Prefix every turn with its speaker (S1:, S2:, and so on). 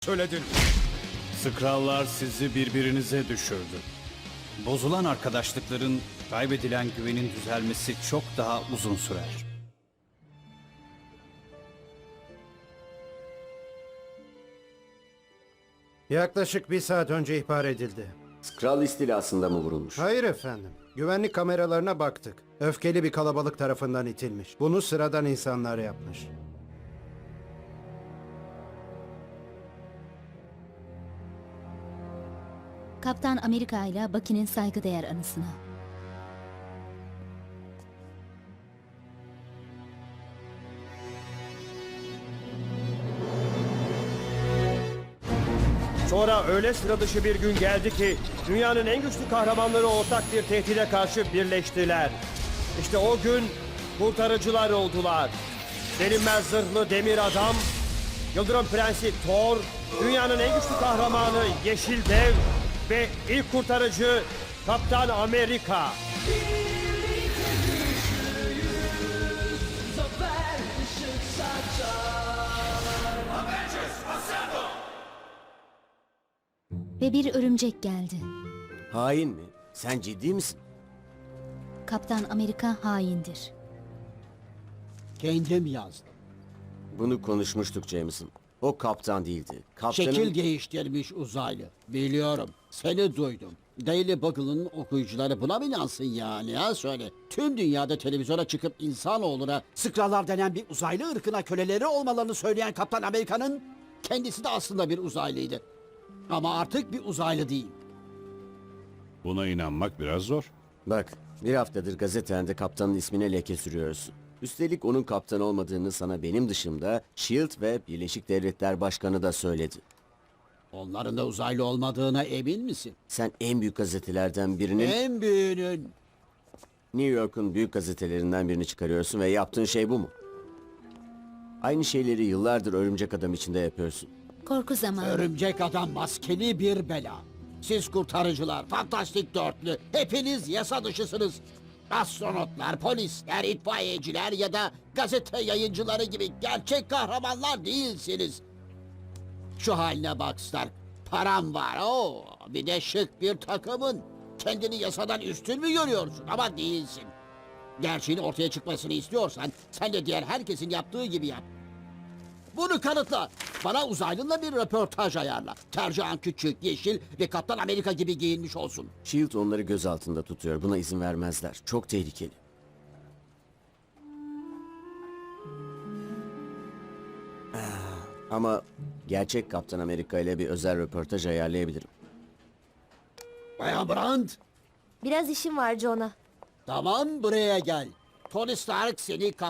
S1: söyledin.
S2: Skrall'lar sizi birbirinize düşürdü. Bozulan arkadaşlıkların, kaybedilen güvenin düzelmesi çok daha uzun sürer.
S3: Yaklaşık 1 saat önce ihbar edildi.
S4: Skrull istilasında mı vurulmuş?
S3: Hayır efendim. Güvenlik kameralarına baktık. Öfkeli bir kalabalık tarafından itilmiş. Bunu sıradan insanlar yapmış.
S5: Kaptan Amerika ile Bucky'nin saygıdeğer anısına.
S1: Sonra öyle sıra dışı bir gün geldi ki dünyanın en güçlü kahramanları ortak bir tehdide karşı birleştiler. İşte o gün kurtarıcılar oldular. Delinmez zırhlı demir adam, Yıldırım Prensi Thor, dünyanın en güçlü kahramanı Yeşil Dev ve ilk kurtarıcı Kaptan Amerika.
S5: Ve bir örümcek geldi.
S4: Hain mi? Sen ciddi misin?
S5: Kaptan Amerika haindir.
S6: Kendim yazdım.
S4: Bunu konuşmuştuk Jameson. O kaptan değildi. Kaptanın...
S6: Şekil değiştirmiş uzaylı. Biliyorum. Seni duydum. Daily Buggle'ın okuyucuları buna mı inansın yani ha söyle. Tüm dünyada televizyona çıkıp insanoğluna Skrullar denen bir uzaylı ırkına köleleri olmalarını söyleyen Kaptan Amerika'nın kendisi de aslında bir uzaylıydı. Ama artık bir uzaylı değil.
S7: Buna inanmak biraz zor.
S4: Bak, bir haftadır gazetende kaptanın ismine leke sürüyorsun. Üstelik onun kaptan olmadığını sana benim dışımda S.H.I.E.L.D. ve Birleşik Devletler Başkanı da söyledi.
S6: Onların da uzaylı olmadığına emin misin?
S4: Sen en büyük gazetelerden birinin...
S6: En büyüğünün.
S4: New York'un büyük gazetelerinden birini çıkarıyorsun ve yaptığın şey bu mu? Aynı şeyleri yıllardır Örümcek Adam içinde yapıyorsun.
S5: Korku zamanı.
S6: Örümcek adam maskeli bir bela. Siz kurtarıcılar, fantastik dörtlü, hepiniz yasa dışısınız. Astronotlar, polisler, itfaiyeciler ya da gazete yayıncıları gibi gerçek kahramanlar değilsiniz. Şu haline bak Stark. Param var, oo, bir de şık bir takımın. Kendini yasadan üstün mü görüyorsun ama değilsin. Gerçeğin ortaya çıkmasını istiyorsan sen de diğer herkesin yaptığı gibi yap. Bunu kanıtla. Bana uzaylınla bir röportaj ayarla. Tercihan küçük, yeşil ve Kaptan Amerika gibi giyinmiş olsun.
S4: S.H.I.E.L.D. onları göz altında tutuyor. Buna izin vermezler. Çok tehlikeli. Ama gerçek Kaptan Amerika ile bir özel röportaj ayarlayabilirim.
S6: Bayan Brandt,
S8: Biraz işim var Jonah.
S6: tamam buraya gel. Tony Stark seni